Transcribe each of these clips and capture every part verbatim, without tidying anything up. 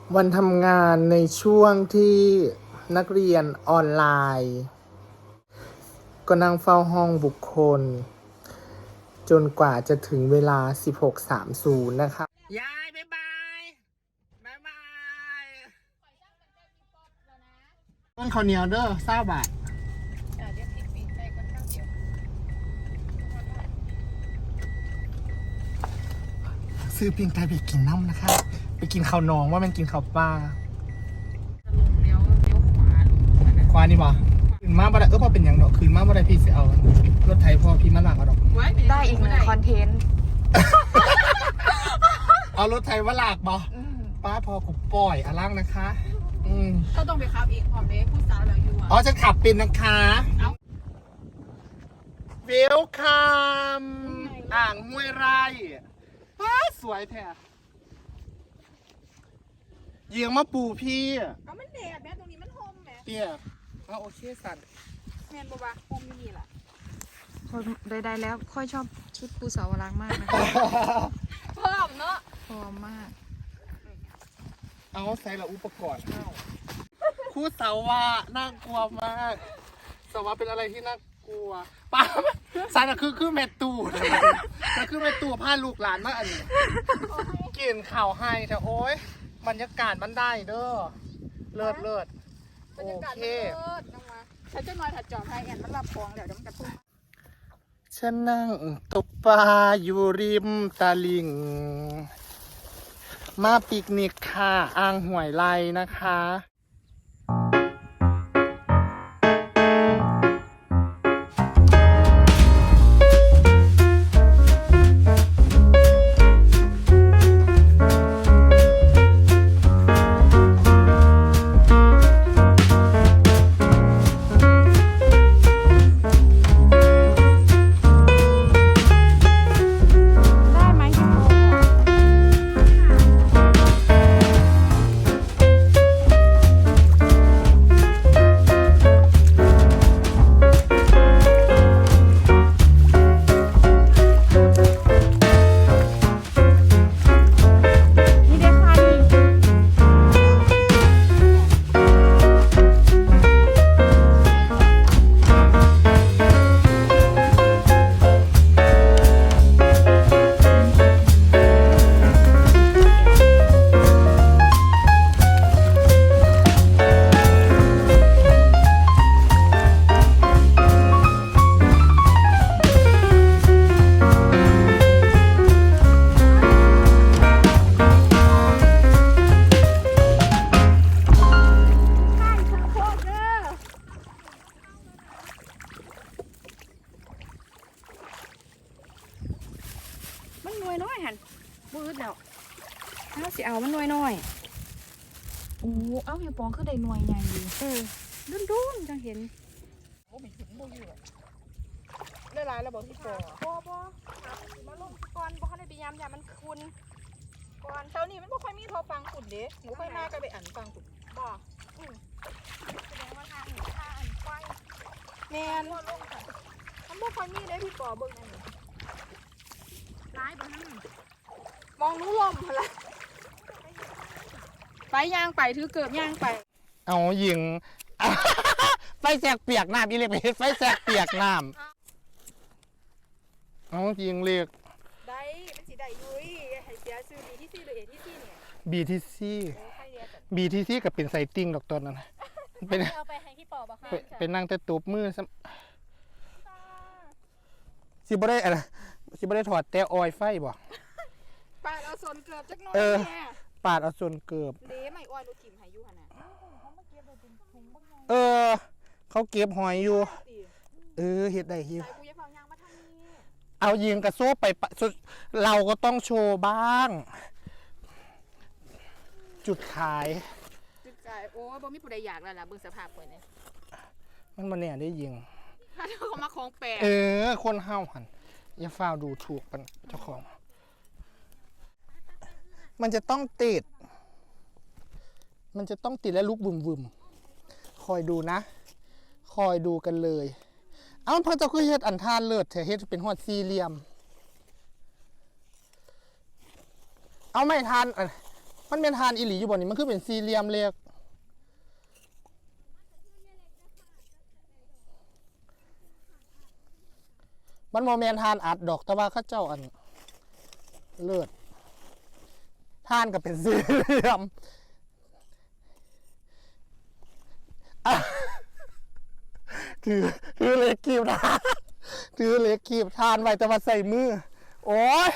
วันทำงานในช่วงที่นักเรียนออนไลน์ ก็นั่งเฝ้าห้องบุคคล จนกว่าจะถึงเวลา สิบหกสามสิบ นะคะยายบ๊ายบายบ๊ายบายต้นข้าวเหนียวเด้อเศร้าบาทซื้อปิ้งไก่ไปกินน้ำนะคะ ไปกินข้าวหนองว่ามันกินข้าวปลาเลี้ยวเลี้ยวขวาขวานี่บ่คืนมาบ่ได้เออพอเป็นอย่างเนาะคืนมาบ่ได้พี่สิเอารถไถพ่อพี่มาหลังเอาดอกได้อีกหนึ่งคอนเทนต์เอารถไถมาหลักบ่ป้าพอกูปล่อยอลังนะคะอืมก็ต้องไปขับอีกพร้อมเด็กผู้สาวเราอยู่อ่ะอ๋อจะขับเป็นนะคะเวลคัมอ่างห้วยไร่ป้าสวยแท้เยียงมาปูพี่เอามันแดดแม่ตรงนี้มันโฮมแม่เตี้ยเอาโอเคสันแม่นบอกว่าโฮมนี่แหละคนใดๆแล้วค่อยชอบชุดปูสาวรักมากนะคะพร้อมเนาะพร้อมมากเอาใส่ละอุปกรณ์เข้าคู่สาวว่าน่ากลัวมากสาวว่าเป็นอะไรที่น่ากลัวป้าสันก็คือคือแม่ตู่ก็คือแม่ตู่พาลูกหลานมาอันนี้กินข่าวให้แต่โอ๊ยบรรยากาศมันได้เด้อเลิศเลิศโอเคฉันจะนอนถัดจอมให้แอนมันรับฟองเดี๋ยวเดี๋ยวมันกระตุ้นฉันนั่งตกปลาอยู่ริมตลิ่งมาปิกนิกค่ะอ่างห้วยไร่นะคะมันน้อยน้อยหันบืดแล้วเอาสิเอามันน้อยน้อยโอ้เอาเฮียปองคือได้หน่วยใหญ่ดีเออดุนดุนจังเห็นโอ้ไม่ถึงบ่อยู่ได้หลายแล้วบอกพี่ปอบ่บ่มาลงก่อนบ่เขาได้ไปยามยามมันคุณก่อนเช้านี้มันบ่ค่อยมีโทรฟังขุ่นเด้หนูค่อยมาก็ไปอ่านฟังขุ่นบ่อือแสดงว่าทางนี้ทางอันไฟแม่นมันบ่ค่อยมีเด้พี่ปอเบิ่งอันนี้ร้ายบ้างมองรู้ลมเหรอไปย่างไปถือเกิบย่างไปเอายิงไฟแสกเปียกน้ำอีเล็กไปไฟแสกเปียกน้ำเอายิงเรียกได้เป็นสีได้ยุ้ยให้เสียซื้อบีที่ซีหรือเอที่ซีเนี่ยบีทีซีบีทีซีกับเป็นไซติ้งดอกตอนนั้นเป็นเอาไปให้พี่ปอบอกค่ะเป็นนั่งแต่ตูบมือสิบ่ได้อะไรสิบ่ได้ถอดแต่ออยไฟบ่ปาดเอาส่วนเกือบจักหน่อยแม่ปาดเอาส่วนเกือบเด้ไม่อ้อยดูถิ่มหายอยู่ขนาดเออเขาเก็บหอยอยู่เออเฮ็ดได้ฮิวเอายิงกระโซ่ไปเราก็ต้องโชว์บ้างจุดขายจุดขายโอ้บ่มีผู้ใดอยากแล้วล่ะเบิ่งสภาพข่อยเนี่ยมันมาเนี่ยได้ยิงถ้าเขามาของแปลเออคนห้าวหันอย่าฟ้าวดูถูกมันเจ้าของมันจะต้องติดมันจะต้องติดและลุกบุ่มบุ่มคอยดูนะคอยดูกันเลย เอ้าพระเจ้าคือเฮ็ดอันท่าเลิศเถอะเฮ็ดเป็นหอดสี่เหลี่ยมเอาไม่ทันมันเป็นทานอิหลีอยู่บ่นี่มันคือเป็นสี่เหลี่ยมเล็กมันโมเมนทานอัดดอกแต่ว่าเข้าเจ้าอันเลิศทานก็เป็นสี่เหลี่ยมอ่ะถือถือเล็กคีบทานถือเล็กคีบทานไว้แต่ว่าใส่มือโอ้ย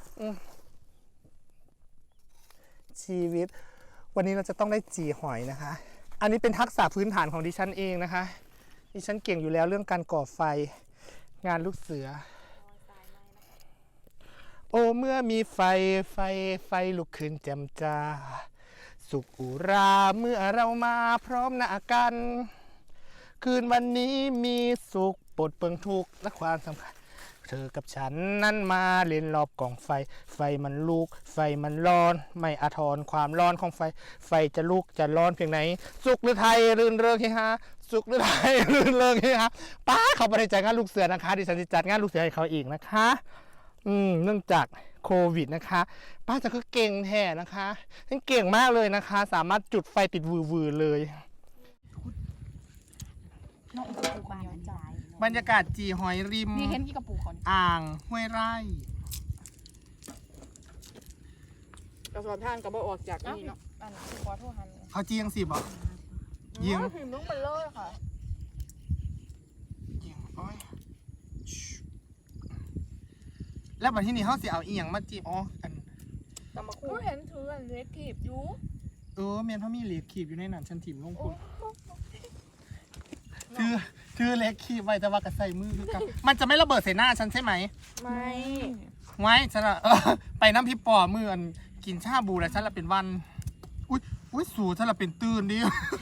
ชีวิตวันนี้เราจะต้องได้จีหอยนะคะ อันนี้เป็นทักษะพื้นฐานของดิฉันเองนะคะดิฉันเก่งอยู่แล้วเรื่องการก่อไฟงานลูกเสือโอ้เมื่อมีไฟไฟไฟลุกขึ้นแจ่มจ้าสุขอุราเมื่อเรามาพร้อมหน้ากันคืนวันนี้มีสุขปลดเปลื้องทุกข์และความสำคัญเธอกับฉันนั้นมาเล่นรอบกองไฟไฟมันลุกไฟมันร้อนไม่อาทรความร้อนของไฟไฟจะลุกจะร้อนเพียงไหนสุขหรือไทยรื่นเริงเฮฮาสุขหรือไทยรื่นเริงเฮฮาป้าเขาไปจัดงานลูกเสือนะคะดิฉันจะจัดงานลูกเสือให้เขาอีกนะคะอืมเนื่องจากโควิดนะคะป้าจะคือเก่งแท้นะคะฉันเก่งมากเลยนะคะสามารถจุดไฟติดวือๆเลยบรรยากาศจีหอยริมนี่เห็นกี่กระปุกคนอ่างห้วยไร่กระสอบท่านกระบอกออกจากนี่เนาะอันนี้ขอโทษฮันเขาจียังสิบอกยิงพิมพ์ต้องเป็นเลยค่ะยิงโอ้ยแล้ววันที่นี่เขาสิเอาอีหยังมาจีบอ๋ออันตำมะคู่เห็นถืออันเล็กขีบอยู่เออเมียนเขามีเหล็กขีบอยู่ในนั้นฉันถิ่มลงคุณถือถือเหล็กขีบไว้แต่ว่ากระใส่มือคือกันมันจะไม่ระเบิดใส่หน้าฉันใช่ไหมไม่ไว้ฉันอะเออไปน้ำพริกปอมืออันกินชาบูแล้วฉันละเป็นวันอุ้ยอุ้ยสูฉันละเป็นตื่นดิ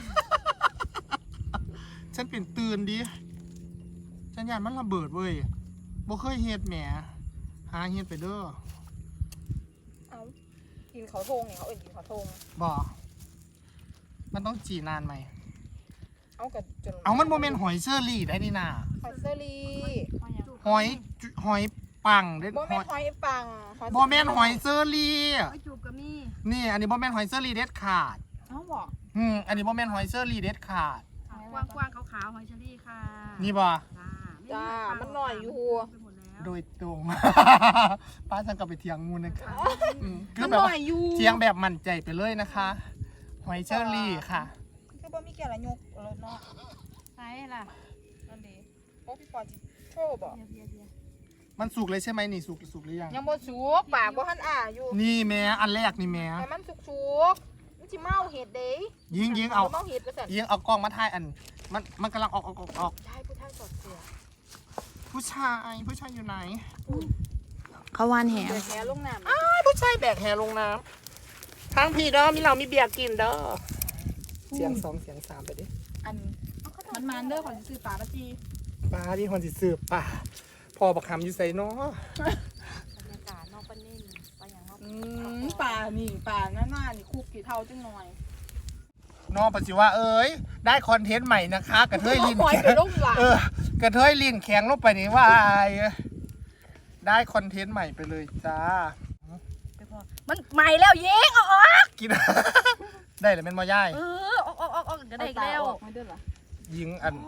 ฉันเป็นตื่นดิฉันยานมันระเบิดเว้ยบ่เคยเฮ็ดแหมหาเฮ็ดไปเด้อเอากินเขาทงเนี่ยเขาเอ็นกินเขาทงบ่มันต้องจีนานไหมเอากับจนเอามันโมเมนต์หอยเชอรี่ได้นี่นาหอยเซอรี่หอยจุหอยปังเด็ดโมหเมนอยต์หอยปังโมเมนต์หอยเชอรี่หอยจูบก็มีนี่อันนี้โมเมนต์หอยเชอรี่เด็ดขาดเอาบอกอืมอันนี้โมเมนต์หอยเชอรี่เด็ดขาดกว้างกว้างๆขาวๆหอยเชอรี่ค่ะนี่บ่จ้าจ้ามันหน่อยอยู่ไปหมดแล้วโดยตรง ป้าจังกลับไปเทียงงูนะคะอืมคืมัอน แบบหน่ว่าอยอยู่เทียงแบบมั่นใจไปเลยนะคะ หอยเชอรี่ค่ะคือบ่มีแก่ละยกรถเนาะไหนล่ะนั่นดีโอ้พี่ปอจิโชว์บอกเบียร์เบียร์เบียร์มันสุกเลยใช่ไหมนี่สุกสุกหรือยังยังบ่สุกปากบ่ทันอ่าอยู่นี่แม่อันแรกนี่แม่ให้มันสุกๆมันสิเมาเห็ดเด้ยิงยิงเอาเมาเห็ดไปสั่นยิงเอากล้องมาถ่ายอัน มันมันกำลังออกออกออกออกใช่ผู้ชายสอดเสือผู้ชายผู้ชายอยู่ไหนเขาวานแหเดือดแค่ลงน้ำอ้าวผู้ชายแบกแฮลงน้ำทางพี่เด้อมีเรามีเบียร์กินเด้อเสียงสองเสียงสามไปดิอันมันมันเด้อขอสิซื้อปลาปะจีป้าพี่คนสิสืบป่าพอบักคำอยู่ใส่เนาะบรรยากาศนอกปะนิ่นไปอย่างนอกอืมปลานี่ปลาหน้าหน้านี่คุกกี่เท่าจังหน่อยน้องปัจจุว่าเอ้ยได้คอนเทนต์ใหม่นะคะกระเทยลินหอยแข็ไปงลงหลังเออกระเทยลินแข็งลงไปนี่ว่าอายได้คอนเทนต์ใหม่ไปเลยจ้ามันใหม่แล้วยิงออกออกกิน ได้เลยเป็นมอย่ายเออออกออกออกออกก็ได้อีกแล้วเอาตาออกไม่เด้อเหรอยิงอัน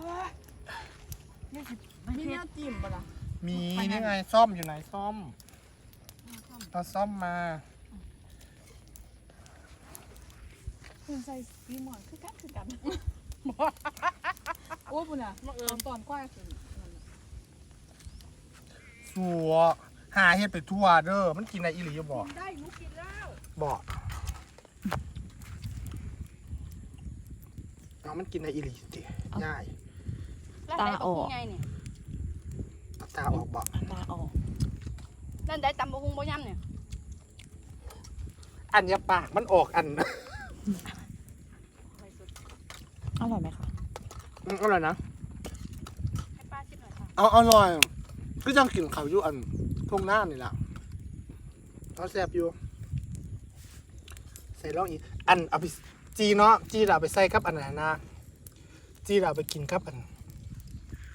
มีแนวจิ้มปะล่ะมีนี่ไงซ่อมอยู่ไหนซ่อมเราซ่อมมาคุณใส่ซีหมอนคือกันคือกันโอ้ยปุ่นอ่ะมาเอิมตอนกว้างสิสัวหาเฮ็ดไปทั่วเด้อมันกินอะไรอีหลีอยู่บ่ได้หนูกินแล้วบ่เอามันกินอะไรอีหลีสิง่ายตาออกไงเนี่ยเอาตาออกบ่ตาออกนั่นได้ตำบะฮุงบ่ย่ำเนี่ยอันอยาปากมันออกอันอร่อยไหมคะอืมอร่อยนะให้ป้าชิมหน่อยค่ะเอาอร่อยก็จังกินข้าวอยู่อันทุ่งหน้านี่แหละเอาแซ่บอยู่ ใส่ลองอีก อันเอาไปจีเนาะจีเราเอาไปใส่กับอันไหนนะจีเราเอาไปกินกับอัน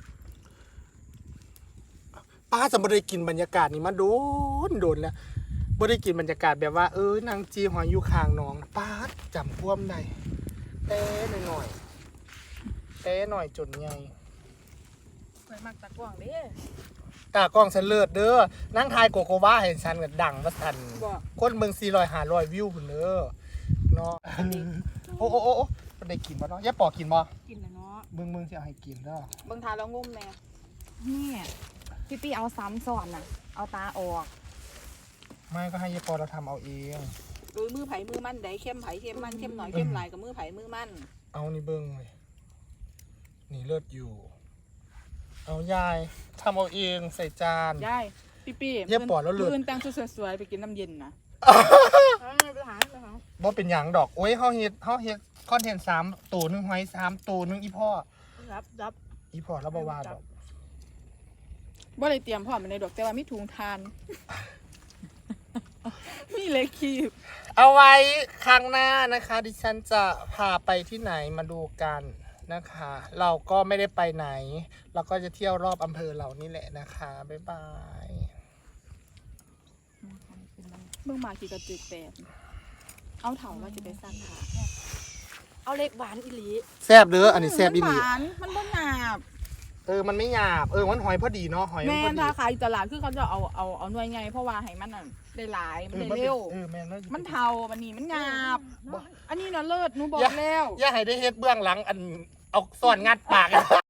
ป้าจะไม่ได้กินบรรยากาศนี้มาโดนโดนแล้วบ่ได้กินบรรยากาศแบบว่าเออนางจีหอยอยู่ข้างหนองป๊าดจำพ่วมได้เต้หน่อยๆเต้หน่อยจนใหญ่สวยมากตะกวางเด้ตากล้องฉันเลิศเด้อนั่งทายโกโกวาเห็นฉันก็ดังว่าสั่นบอกคนเบิ่งสี่ร้อยห้าร้อยวิวพุ่นเด้อเนาะโอ้โอ้โอ้โอ้มันได้กินบ่เนาะอย่าปอกกินบ่กินนะเนาะเบิ่งเบิ่งสิเอาให้กินเด้อเบิ่งทาแล้วงุ่มแน่นี่พี่ปี้เอาซ้ำซ้อนน่ะ เอาตาออกไม่ก็ให้ยายปอเราทำเอาเองโดยมือไผ่มือมันได้เข้มไผ่เข้มมันเข้มหน่อยเข้มหลายกับมือไผ่มือมันเอานี่เบิ่งเลยนี่เลิศอยู่ เอายายทำเอาเองใส่จานยายพี่ปี้เย็บปอดแล้วเลือดมื้นแต่งชุดสวยๆไปกินน้ำเย็นนะไปหาไปหาบ่เป็นหยังดอกโอ้ยเฮาเฮ็ดเฮาเฮ็ดคอนเทนต์สามตัวหนึงหอยสามตัวหนึงอีพ่อรับรับอีพ่อแล้วบ่ว่าดอกบ่ได้เตรียมพร้อมไปในดอกแต่ว่ามีถุงทาน มีเล็กคีบเอาไว้ครั้งหน้านะคะ ดิฉันจะพาไปที่ไหนมาดูกันนะคะ เราก็ไม่ได้ไปไหน เราก็จะเที่ยวรอบอำเภอเรานี่แหละนะคะบ๊ายบายเบิ่งมากี่กระจึกแปดเอาเถาว่าจะไปสร้างขาเอาเล็กหวานอีหลีแซ่บเด้ออันนี้แซ่บอีหลีมันหวานมันบ่หยาบเออมันไม่หยาบเออมันหอยพอดีเนาะหอยมันแม่พอดีถ้าขายอยู่ตลาดคือเขาจะเอาเอาเอาหน่วยไงเพราะว่าให้มันน่ะได้หลายมันได้มันเร็วเออแม่นแล้วมันเทามันนี่มันหยาบบ่อันนี้น่ะเลิศหนูบอกแล้วอย่าให้ได้เฮ็ดเบื้องหลังอันเอาซ่อนงัดปาก